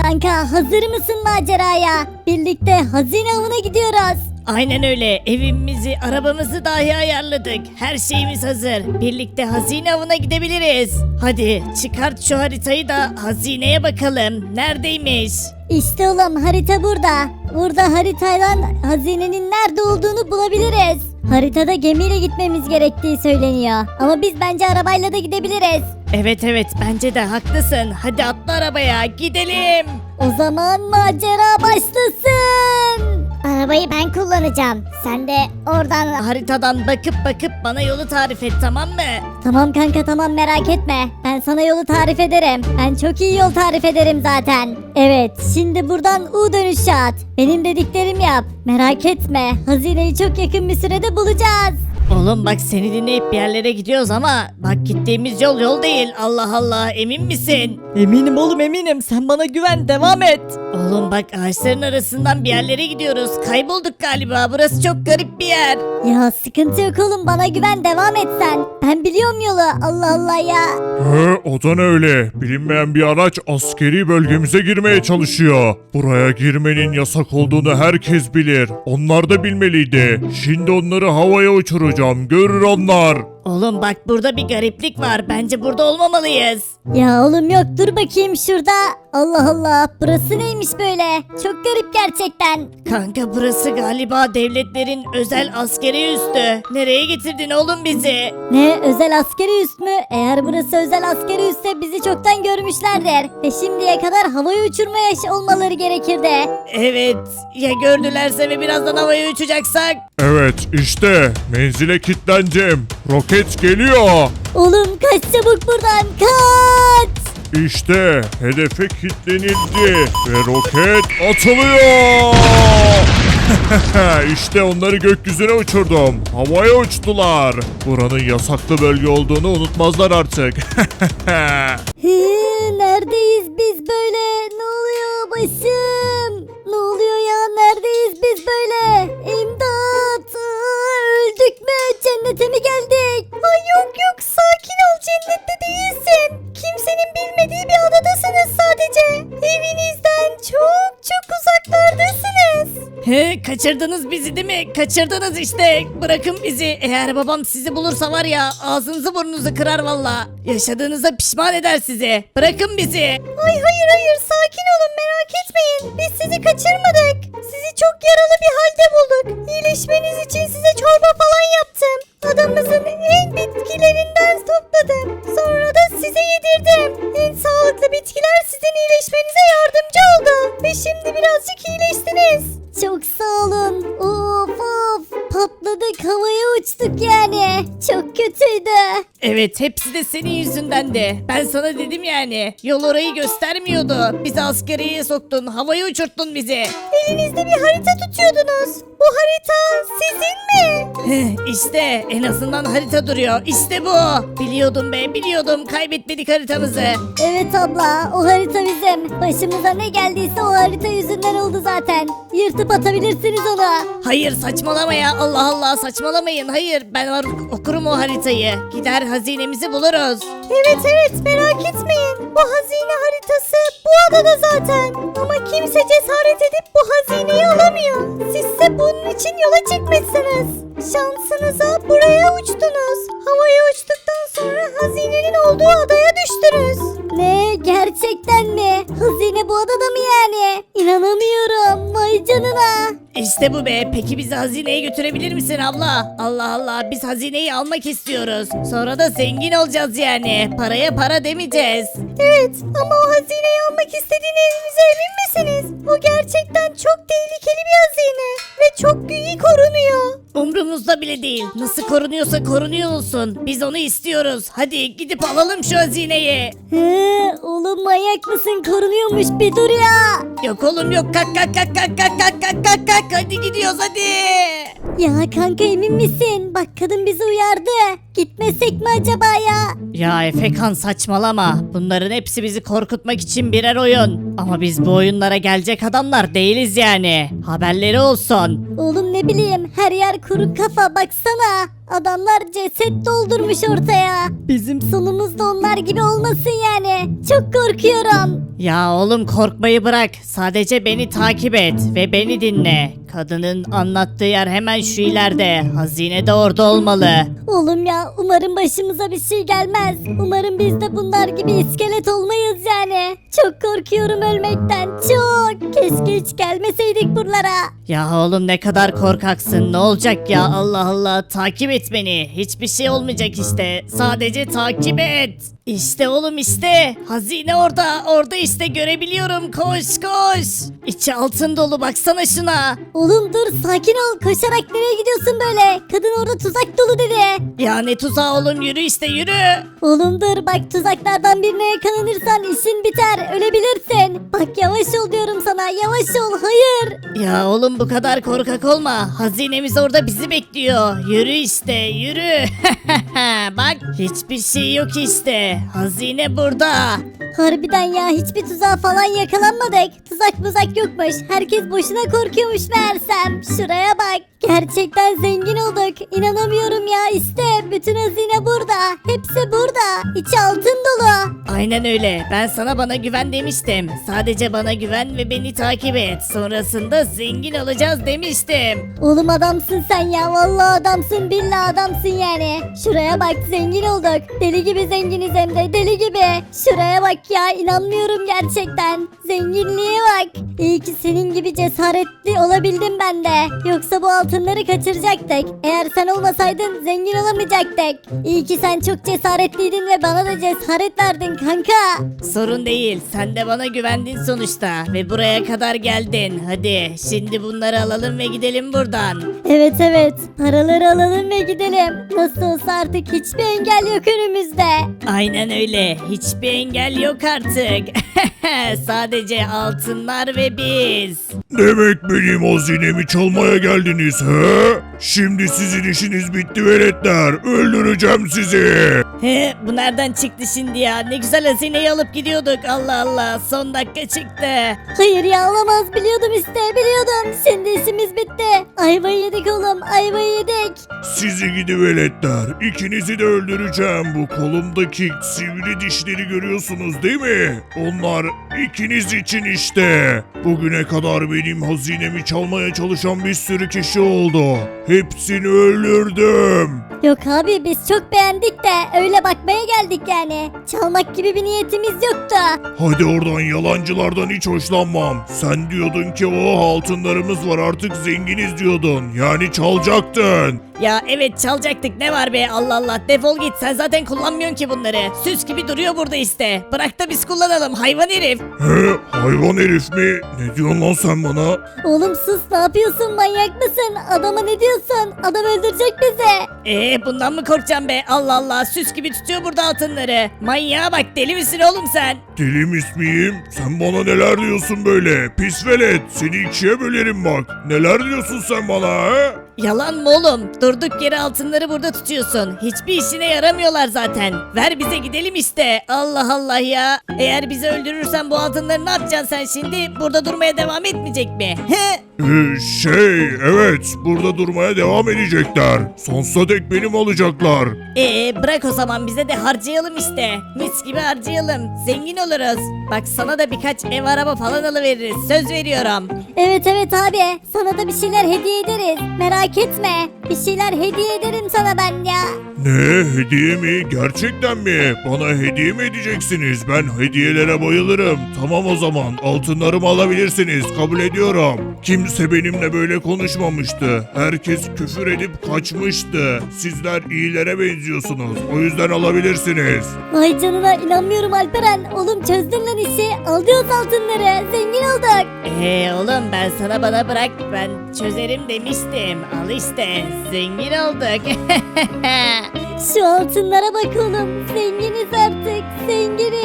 Kanka hazır mısın maceraya? Birlikte hazine avına gidiyoruz. Aynen öyle. Evimizi, arabamızı dahi ayarladık. Her şeyimiz hazır. Birlikte hazine avına gidebiliriz. Hadi çıkart şu haritayı da hazineye bakalım. Neredeymiş? İşte oğlum harita burada. Burada haritayla hazinenin nerede olduğunu bulabiliriz. Haritada gemiyle gitmemiz gerektiği söyleniyor. Ama biz bence arabayla da gidebiliriz. Evet bence de haklısın. Hadi atla arabaya gidelim. O zaman macera başlasın. Arabayı ben kullanacağım. Sen de oradan... Haritadan bakıp bana yolu tarif et, tamam mı? Tamam kanka tamam merak etme. Ben sana yolu tarif ederim. Ben çok iyi yol tarif ederim zaten. Evet şimdi buradan U dönüşü at. Benim dediklerimi yap. Merak etme. Hazineyi çok yakın bir sürede bulacağız. Oğlum bak seni dinleyip bir yerlere gidiyoruz ama bak gittiğimiz yol değil. Allah Allah, emin misin? Eminim oğlum eminim. Sen bana güven, devam et. Oğlum bak ağaçların arasından bir yerlere gidiyoruz. Kaybolduk galiba. Burası çok garip bir yer. Ya sıkıntı yok oğlum bana güven devam et sen. Ben biliyorum yolu Allah Allah ya. O da ne öyle? Bilinmeyen bir araç askeri bölgemize girmeye çalışıyor. Buraya girmenin yasak olduğunu herkes bilir. Onlar da bilmeliydi. Şimdi onları havaya uçuracağım. Görür onlar. Oğlum bak burada bir gariplik var. Bence burada olmamalıyız. Ya oğlum yok dur bakayım şurada. Allah Allah burası neymiş böyle? Çok garip gerçekten. Kanka burası galiba devletlerin özel askeri üssü. Nereye getirdin oğlum bizi? Ne özel askeri üs mü? Eğer burası özel askeri üsse bizi çoktan görmüşlerdir. Ve şimdiye kadar havaya uçurmaya olmaları gerekirdi. Evet. Ya gördülerse ve birazdan havaya uçacaksak? Evet işte menzile kilitleneceğim. Roket geliyor. Oğlum kaç çabuk buradan kaç. İşte hedefe kilitlenildi ve roket atılıyor. İşte onları gökyüzüne uçurdum. Havaya uçtular. Buranın yasaklı bölge olduğunu unutmazlar artık. Neredeyiz biz böyle? Ne oluyor başım? Ne oluyor ya? Neredeyiz biz böyle? İmdat! Öldük mü? Cennete mi geldik? Ay yok sakin ol cennette değilsin. Kimsenin bilmediği bir adadasınız sadece. Evinizden çok uzaklardasınız. Kaçırdınız bizi değil mi? Kaçırdınız işte. Bırakın bizi. Eğer babam sizi bulursa var ya ağzınızı burnunuzu kırar valla. Yaşadığınıza pişman eder sizi. Bırakın bizi. Ay hayır sakin olun merak etmeyin. Biz sizi kaçırmadık. Sizi çok yaralı bir halde bulduk. İyileşmeniz için size çorba falan yaptım. Adamımızın en bitkilerinden topladım. Sonra da size yedirdim. En sağlıklı bitkiler sizin iyileşmenize yardımcı oldu. Ve şimdi birazcık iyileştiniz. Çok sağ olun. Of patladık havaya uçtuk yani. Çok kötüydü. Evet hepsi de senin yüzündendi. Ben sana dedim yani. Yol orayı göstermiyordu. Bizi askeriyeye soktun. Havaya uçurttun bizi. Elinizde bir harita tutuyordunuz. Bu harita sizin mi? İşte en azından harita duruyor. İşte bu. Biliyordum be biliyordum. Kaybetmedik haritamızı. Evet abla o harita bizim. Başımıza ne geldiyse o harita yüzünden oldu zaten. Yırtıp atabilirsiniz onu. Hayır saçmalama ya. Allah Allah saçmalamayın. Hayır ben okurum o haritayı. Gider hazinemizi buluruz. Evet merak etmeyin. Bu hazine haritası bu adada zaten. Ama kimse cesaret edip bu hazineyi alamıyor. Sizse bunun için yola çıkmışsınız. Şansınıza buraya uçtunuz. Havaya uçtuktan sonra hazinenin olduğu adaya düştünüz. Ne gerçekten mi? Hazine bu adada mı yani? İnanamıyorum. Vay canına. İşte bu be. Peki bizi hazineye götürebilir misin abla? Allah Allah biz hazineyi almak istiyoruz. Sonra da zengin olacağız yani. Paraya para demeyeceğiz. Evet ama o hazineyi almak istediğinize emin misiniz? O gerçekten çok tehlikeli bir hazine. Ve çok iyi korunuyor. Umrumuzda bile değil. Nasıl korunuyorsa korunuyor olsun. Biz onu istiyoruz. Hadi gidip alalım şu hazineyi. Oğlum manyak mısın? Korunuyormuş bir dur ya. Yok oğlum yok. Kalk. Hadi gidiyoruz hadi. Ya kanka emin misin? Bak kadın bizi uyardı. Gitmesek mi acaba ya? Ya Efekan saçmalama. Bunların hepsi bizi korkutmak için birer oyun. Ama biz bu oyunlara gelecek adamlar değiliz yani. Haberleri olsun. Oğlum ne bileyim her yer kuru kafa baksana. Adamlar ceset doldurmuş ortaya. Bizim sonumuz da onlar gibi olmasın yani. Çok korkuyorum. Ya oğlum korkmayı bırak. Sadece beni takip et ve beni dinle. Kadının anlattığı yer hemen şu ileride. Hazine de orada olmalı. Oğlum ya umarım başımıza bir şey gelmez. Umarım biz de bunlar gibi iskelet olmayız yani. Çok korkuyorum ölmekten çok. Keşke hiç gelmeseydik buralara. Ya oğlum ne kadar korkaksın. Ne olacak ya Allah Allah. Takip et beni. Hiçbir şey olmayacak işte. Sadece takip et. İşte oğlum işte. Hazine orada. Orada işte görebiliyorum. Koş koş. İçi altın dolu baksana şuna. Oğlum dur sakin ol. Koşarak nereye gidiyorsun böyle? Kadın orada tuzak dolu dedi. Ya ne tuzağı oğlum yürü işte yürü. Oğlum dur bak tuzaklardan birine yakalanırsan işin biter. Ölebilirsin. Bak yavaş ol diyorum sana. Yavaş ol. Hayır. Ya oğlum bu kadar korkak olma. Hazinemiz orada bizi bekliyor. Yürü işte yürü. Bak hiçbir şey yok işte. Hazine burada. Harbiden ya hiçbir tuzağa falan yakalanmadık. Tuzak muzak yokmuş. Herkes boşuna korkuyormuş meğersem. Şuraya bak. Gerçekten zengin olduk. İnanamıyorum ya işte. Bütün hazine burada. Hepsi burada. İçi altın dolu. Aynen öyle. Ben sana bana güven demiştim. Sadece bana güven ve beni takip et. Sonrasında zengin olacağız demiştim. Oğlum adamsın sen ya. Vallahi adamsın. Billahi adamsın yani. Şuraya bak zengin olduk. Deli gibi zenginiz hem de deli gibi. Şuraya bak ya. İnanmıyorum gerçekten. Zenginliğe bak. İyi ki senin gibi cesaretli olabildim ben de. Yoksa bu altınları kaçıracaktık. Eğer sen olmasaydın zengin olamayacaktık. İyi ki sen çok cesaretliydin ve bana da cesaret verdin kanka. Sorun değil. Sen de bana güvendin sonuçta. Ve buraya kadar geldin. Hadi şimdi bunları alalım ve gidelim buradan. Evet evet. Paraları alalım ve gidelim. Nasıl olsa artık hiçbir engel yok önümüzde. Aynen öyle. Hiçbir engel yok artık. Sadece altınlar ve biz. Demek benim hazinemi çalmaya geldiniz he? Şimdi sizin işiniz bitti veletler. Öldüreceğim sizi. He, bu nereden çıktı şimdi ya? Ne güzel hazineyi alıp gidiyorduk. Allah Allah son dakika çıktı. Hayır ya olamaz biliyordum işte biliyordum. Şimdi işimiz bitti. Ayvayı yedik oğlum ayvayı yedik. Sizi gidi veletler. İkinizi de öldüreceğim. Bu kolumdaki sivri dişleri görüyorsunuz değil mi? Onlar ikiniz için işte. Bugüne kadar benim hazinemi çalmaya çalışan bir sürü kişi oldu. Hepsini öldürdüm. Yok abi biz çok beğendik de öyle bakmaya geldik yani. Çalmak gibi bir niyetimiz yoktu. Hadi oradan yalancılardan hiç hoşlanmam. Sen diyordun ki o altınlarımız var artık zenginiz diyordun. Yani çalacaktın. Ya evet çalacaktık ne var be Allah Allah defol git sen zaten kullanmıyorsun ki bunları. Süs gibi duruyor burada işte. Bırak da biz kullanalım hayvan herif. He hayvan herif mi? Ne diyorsun lan sen bana? Oğlum sus ne yapıyorsun manyak mısın? Adama ne diyorsun? Adam öldürecek bizi. Bundan mı korkacağım be Allah Allah süs gibi tutuyor burada altınları. Manyağa bak deli misin oğlum sen? Deli miyim? Sen bana neler diyorsun böyle? Pis velet. Seni ikiye bölerim bak. Neler diyorsun sen bana he? Yalan mı oğlum? Durduk yere altınları burada tutuyorsun. Hiçbir işine yaramıyorlar zaten. Ver bize gidelim işte. Allah Allah ya. Eğer bizi öldürürsen bu altınları ne yapacaksın sen şimdi? Burada durmaya devam etmeyecek mi? He? Evet burada durmaya devam edecekler. Sonsuza dek benim olacaklar. Bırak o zaman bize de harcayalım işte. Mis gibi harcayalım. Zengin oluruz. Bak sana da birkaç ev araba falan alıveririz. Söz veriyorum. Evet evet abi sana da bir şeyler hediye ederiz. Merak etme. Bir şeyler hediye ederim sana ben ya. Ne hediye mi? Gerçekten mi? Bana hediye mi edeceksiniz? Ben hediyelere bayılırım. Tamam o zaman altınlarımı alabilirsiniz. Kabul ediyorum. Kimse benimle böyle konuşmamıştı. Herkes küfür edip kaçmıştı. Sizler iyilere benziyorsunuz. O yüzden alabilirsiniz. Vay canına inanmıyorum Alperen. Oğlum çözdün lan işi. Alıyoruz altınları. Zengin olduk. Oğlum ben sana bana bırak. Ben çözerim demiştim. Al işte. Zengin olduk. Şu altınlara bak oğlum. Zenginiz artık. Zenginiz.